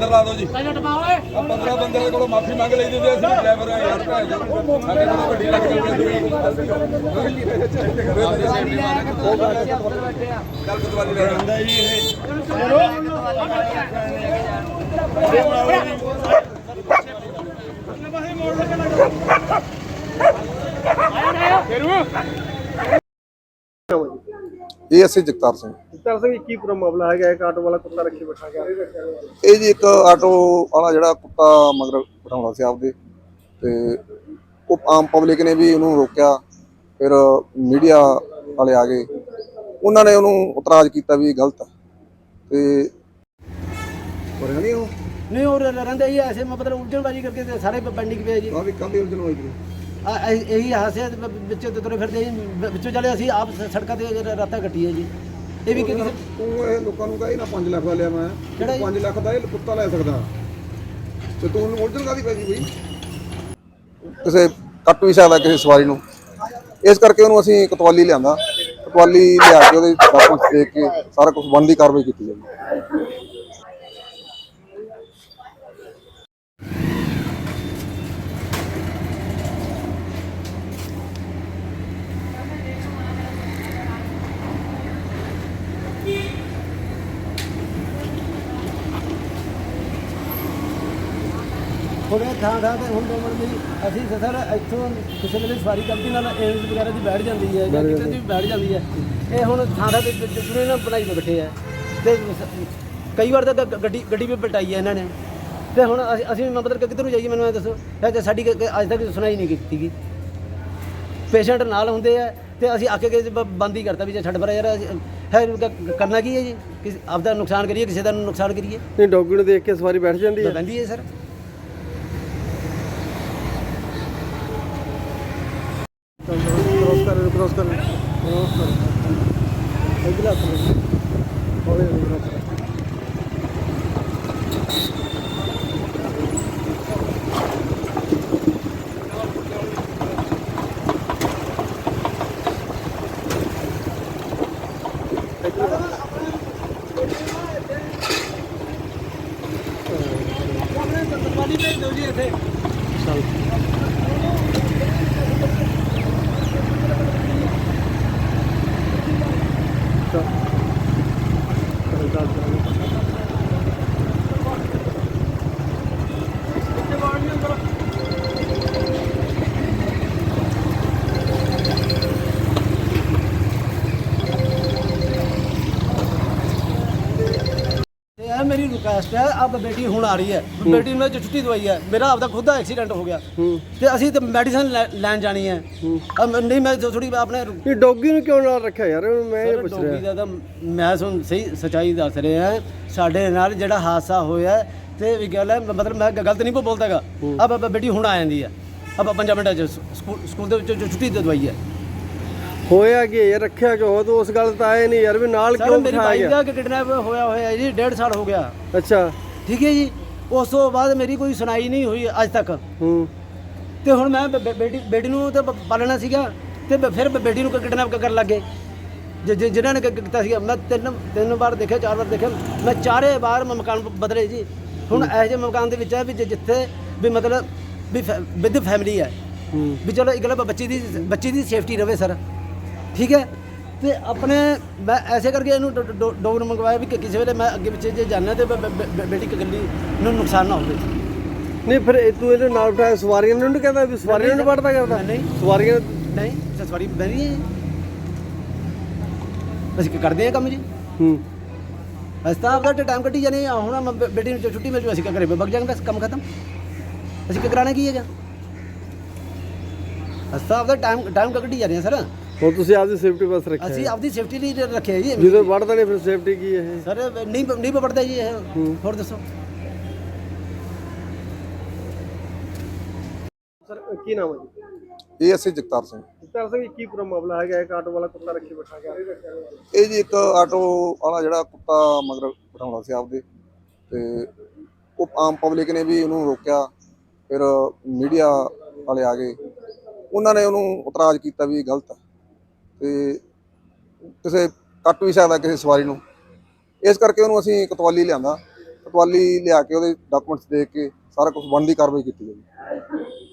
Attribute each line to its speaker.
Speaker 1: अंदर ला दो जी 15 बंदे को माफी मंग ली दी ड्राइवर यार
Speaker 2: ਇਹ ਅਸੀਂ ਜਗਤਾਰ ਸਿੰਘ
Speaker 3: ਜਗਤਾਰ ਸਿੰਘ ਕੀ ਪੂਰਾ ਮਾਮਲਾ ਹੈਗਾ? ਇੱਕ ਆਟੋ ਵਾਲਾ ਕੁੱਤਾ ਰੱਖੀ ਬੈਠਾ ਗਿਆ।
Speaker 2: ਇਹ ਜੀ ਇੱਕ ਆਟੋ ਵਾਲਾ ਜਿਹੜਾ ਕੁੱਤਾ ਮਗਰ ਬਿਠਾਉਂਦਾ ਸੀ ਆਪਦੇ ਤੇ ਉਹ ਆਮ ਪਬਲਿਕ ਨੇ ਵੀ ਉਹਨੂੰ ਰੋਕਿਆ। ਫਿਰ ਮੀਡੀਆ ਵਾਲੇ ਆ ਗਏ, ਉਹਨਾਂ ਨੇ ਉਹਨੂੰ ਇਤਰਾਜ਼ ਕੀਤਾ ਵੀ ਗਲਤ ਹੈ ਤੇ
Speaker 4: नहीं और रहते ही ऐसे मतलब उलझनबाजी करके सारे पेंडिंग पे है जी।
Speaker 2: ਕਾਫੀ ਉਲਝਣ ਹੋਈ ਜੀ।
Speaker 4: यही हादसे बच्चे तुरे फिरते बच्चों चले ਅਸੀਂ ਆਪ ਸੜਕਾਂ ਤੇ ਰਾਤਾਂ ਕੱਟੀ ਹੈ ਜੀ। ਇਹ ਵੀ ਕਿਸੇ
Speaker 2: ਤੂੰ ਇਹ ਲੋਕਾਂ ਨੂੰ ਕਹੇ ਨਾ 5 ਲੱਖ ਦਾ ਲਿਆ ਮੈਂ 5 ਲੱਖ ਦਾ ਇਹ ਕੁੱਤਾ ਲੈ ਸਕਦਾ ਤੇ ਤੂੰ ਉਹਨੂੰ ਉਲਝਣ ਕਾਹਦੀ ਪੈ ਗਈ ਬਈ? ਕਿਸੇ ਕੱਟ ਵੀ ਸਕਦਾ ਕਿਸੇ ਸਵਾਰੀ ਨੂੰ, ਇਸ ਕਰਕੇ ਉਹਨੂੰ ਅਸੀਂ ਕਤਵਾਲੀ ਲਿਆਂਦਾ। ਕਤਵਾਲੀ ਲਿਆ ਕੇ ਉਹਦੇ ਡਾਕੂਮੈਂਟਸ ਦੇਖ ਕੇ ਸਾਰਾ ਕੁਝ ਬਣਦੀ ਕਾਰਵਾਈ ਕੀਤੀ ਜਾਵੇ।
Speaker 4: ਹੁਣ ਥਾਂ ਤੇ ਹੁਣ ਅਸੀਂ ਸਰ ਇੱਥੋਂ ਕਿਸੇ ਵੇਲੇ ਸਵਾਰੀ ਗਲਤੀ ਨਾਲ ਏਮਸ ਵਗੈਰਾ ਦੀ ਬੈਠ ਜਾਂਦੀ ਹੈ ਜਾਂ ਕਿਤੇ ਦੀ ਬੈਠ ਜਾਂਦੀ ਹੈ। ਇਹ ਹੁਣ ਥਾਂ ਤੇ ਜਿਹੜੇ ਨਾ ਬਣਾਈ ਤੇ ਬੈਠੇ ਆ ਤੇ ਕਈ ਵਾਰ ਤਾਂ ਗੱਡੀ ਵੀ ਪਲਟਾਈ ਹੈ ਇਹਨਾਂ ਨੇ। ਤੇ ਹੁਣ ਅਸੀਂ ਮਤਲਬ ਕਿੱਧਰ ਨੂੰ ਜਾਈਏ ਮੈਨੂੰ ਇਹ ਦੱਸੋ। ਸਾਡੀ ਅੱਜ ਤੱਕ ਸੁਣਾਈ ਨਹੀਂ ਕੀਤੀ ਗਈ। ਪੇਸ਼ੈਂਟ ਨਾਲ ਹੁੰਦੇ ਆ ਤੇ ਅਸੀਂ ਆ ਕੇ ਬੰਦ ਹੀ ਕਰਤਾ ਵੀ ਜੇ ਛੱਡ ਪਰ ਯਾਰ ਹੈ ਕਰਨਾ ਕੀ ਹੈ ਜੀ? ਆਪਦਾ ਨੁਕਸਾਨ ਕਰੀਏ ਕਿਸੇ ਦਾ ਨੁਕਸਾਨ ਕਰੀਏ?
Speaker 3: ਨਹੀਂ, ਡੌਗੀ ਨੂੰ ਦੇਖ ਕੇ ਸਵਾਰੀ ਬੈਠ ਜਾਂਦੀ ਹੈ।
Speaker 4: ਬੈਠਦੀ ਹੈ ਸਰ।
Speaker 3: क्रॉस कर
Speaker 4: मेरी रिक्वेस्ट है, अब बेटी हूँ आ रही है, बेटी ने जो छुट्टी दवाई है, मेरा आपका खुद का एक्सीडेंट हो गया तो असी तो मेडिसिन लैन जानी है। अब नहीं मैं थोड़ी अपने
Speaker 3: ये डॉगी ਨੂੰ ਕਿਉਂ ਨਾਲ ਰੱਖਿਆ ਯਾਰ? ਮੈਂ ਇਹ ਪੁੱਛ ਰਿਹਾ।
Speaker 4: ਡੌਗੀ ਦਾ ਤਾਂ ਮੈਂ ਤੁਹਾਨੂੰ ਸਹੀ ਸੱਚਾਈ ਦੱਸ ਰਿਹਾ ਹਾਂ। ਸਾਡੇ ਨਾਲ ਜਿਹੜਾ ਹਾਦਸਾ ਹੋਇਆ ਤੇ ਵੀ ਗੱਲ ਹੈ, ਮਤਲਬ ਮੈਂ ਗਲਤ ਨਹੀਂ ਬੋਲਦਾਗਾ। ਅਬ ਬੇਟੀ ਹੁਣ ਆ ਜਾਂਦੀ ਹੈ, ਅਬ 5 ਮਿੰਟਾਂ ਚ ਸਕੂਲ ਦੇ ਵਿੱਚ ਛੁੱਟੀ ਦੇ ਦਵਾਈ ਹੈ।
Speaker 3: ਹੋਇਆ ਕਿ ਯਾਰ ਰੱਖਿਆ ਕਿਉਂ? ਤੂੰ ਉਸ ਗੱਲ ਤਾਂ ਆਏ ਨਹੀਂ ਯਾਰ ਵੀ ਨਾਲ ਕਿਉਂ
Speaker 4: ਮੇਰੀ
Speaker 3: ਬਿਠਾਇਆ
Speaker 4: ਬਾਈਕ
Speaker 3: ਗਿਆ?
Speaker 4: ਦਾ ਕਿਡਨੈਪ ਹੋਇਆ ਜੀ, 1.5 ਸਾਲ ਹੋ ਗਿਆ।
Speaker 3: ਅੱਛਾ
Speaker 4: ਠੀਕ ਹੈ ਜੀ। ਉਸ ਤੋਂ ਬਾਅਦ ਮੇਰੀ ਕੋਈ ਸੁਣਾਈ ਨਹੀਂ ਹੋਈ ਅੱਜ ਤੱਕ। ਤੇ ਹੁਣ ਮੈਂ ਬੇਟੀ ਨੂੰ ਤਾਂ ਪਾਲਣਾ ਸੀਗਾ ਤੇ ਫਿਰ ਬੇਟੀ ਨੂੰ ਕਿਡਨੈਪ ਕਰਨ ਲੱਗੇ ਜਿਨ੍ਹਾਂ ਨੇ ਕੀਤਾ ਸੀਗਾ। ਮੈਂ ਤਿੰਨ ਵਾਰ ਦੇਖਿਆ, 4 ਵਾਰ ਦੇਖਿਆ। ਮੈਂ ਚਾਰੇ ਵਾਰ ਮੈਂ ਮਕਾਨ ਬਦਲੇ ਜੀ। ਹੁਣ ਇਹੋ ਜਿਹੇ ਮਕਾਨ ਦੇ ਵਿੱਚ ਹੈ ਵੀ ਜਿੱਥੇ ਵੀ ਮਤਲਬ ਵੀ ਵਿਦ ਫੈਮਿਲੀ ਹੈ ਵੀ ਚਲੋ ਇੱਕ ਗੱਲ ਬੱਚੀ ਦੀ ਸੇਫਟੀ ਰਵੇ ਸਰ। ਠੀਕ ਹੈ। ਤੇ ਆਪਣੇ ਮੈਂ ਐਸੇ ਕਰਕੇ ਇਹਨੂੰ ਡੋਗ ਨੂੰ ਮੰਗਵਾਇਆ ਵੀ ਕਿਸੇ ਵੇਲੇ ਮੈਂ ਅੱਗੇ ਪਿੱਛੇ ਜੇ ਜਾਣਾ ਤੇ ਬੇਟੀ ਇਕੱਲੀ ਨੂੰ ਨੁਕਸਾਨ ਨਾ ਹੋਵੇ।
Speaker 3: ਨਹੀਂ ਫਿਰ ਤੂੰ ਇਹਦੇ ਨਾਲ ਬਿਠਾਇਆ ਸਵਾਰੀਆਂ ਨੂੰ ਨਹੀਂ ਕਹਿੰਦਾ ਵੀ ਸਵਾਰੀਆਂ ਨੂੰ ਵੜਦਾ ਕਰਦਾ?
Speaker 4: ਨਹੀਂ
Speaker 3: ਸਵਾਰੀਆਂ
Speaker 4: ਨਹੀਂ, ਸਵਾਰੀ ਬਹਿੰਦੀ ਹੈ। ਅਸੀਂ ਕੀ ਕਰਦੇ ਹਾਂ ਕੰਮ ਜੀ। ਅਸੀਂ ਤਾਂ ਆਪਦਾ ਟਾਈਮ ਕੱਢੀ ਜਾਣੇ ਆ। ਹੁਣ ਬੇਟੀ ਨੂੰ ਛੁੱਟੀ ਮਿਲ ਜੂ ਅਸੀਂ ਘਰੇ ਵਗ ਜਾਵਾਂਗੇ, ਬਸ ਕੰਮ ਖਤਮ। ਅਸੀਂ ਕੀ ਕਰਾਣਾ ਕੀ ਹੈਗਾ? ਅਸੀਂ ਤਾਂ ਆਪਦਾ ਟਾਈਮ ਕੱਢੀ ਜਾ ਰਹੇ ਹਾਂ ਸਰ।
Speaker 3: ਹੁਣ ਤੁਸੀਂ ਆਪਦੀ ਸੇਫਟੀ ਬਸ ਰੱਖਿਆ?
Speaker 4: ਅਸੀਂ ਆਪਦੀ ਸੇਫਟੀ ਲਈ ਰੱਖਿਆ ਜੀ।
Speaker 3: ਜਦੋਂ ਵੜਦਾ ਨਹੀਂ ਫਿਰ ਸੇਫਟੀ ਕੀ ਹੈ
Speaker 4: ਸਰ? ਨਹੀਂ ਵੜਦਾ ਜੀ ਇਹ। ਹੋਰ ਦੱਸੋ
Speaker 3: ਸਰ, ਕੀ ਨਾਮ ਹੈ ਜੀ?
Speaker 2: ਇਹ ਅਸੀਂ ਜਗਤਾਰ ਸਿੰਘ।
Speaker 3: ਜਗਤਾਰ ਸਿੰਘ ਕੀ ਪੂਰਾ ਮਾਮਲਾ ਹੈਗਾ? ਇੱਕ ਆਟੋ ਵਾਲਾ ਕੁੱਤਾ ਰੱਖੀ ਬੈਠਾ ਗਿਆ।
Speaker 2: ਇਹ ਜੀ ਇੱਕ ਆਟੋ ਵਾਲਾ ਜਿਹੜਾ ਕੁੱਤਾ ਮਗਰ ਬਿਠਾਉਂਦਾ ਸੀ ਆਪਦੇ ਤੇ ਉਹ ਆਮ ਪਬਲਿਕ ਨੇ ਵੀ ਉਹਨੂੰ ਰੋਕਿਆ। ਫਿਰ ਮੀਡੀਆ ਵਾਲੇ ਆ ਗਏ, ਉਹਨਾਂ ਨੇ ਉਹਨੂੰ ਇਤਰਾਜ਼ ਕੀਤਾ ਵੀ ਗਲਤ ਹੈ ਤੇ ਕਿਸੇ ਕੱਟ ਵੀ ਸਕਦਾ ਕਿਸੇ ਸਵਾਰੀ ਨੂੰ, ਇਸ ਕਰਕੇ ਉਹਨੂੰ ਅਸੀਂ ਕਤਵਾਲੀ ਲਿਆਂਦਾ। ਪਟਵਾਲੀ ਲਿਆ ਕੇ ਉਹਦੇ ਡਾਕੂਮੈਂਟਸ ਦੇਖ ਕੇ ਸਾਰਾ ਕੁਝ ਬਣਦੀ ਕਾਰਵਾਈ ਕੀਤੀ ਜਾਵੇ।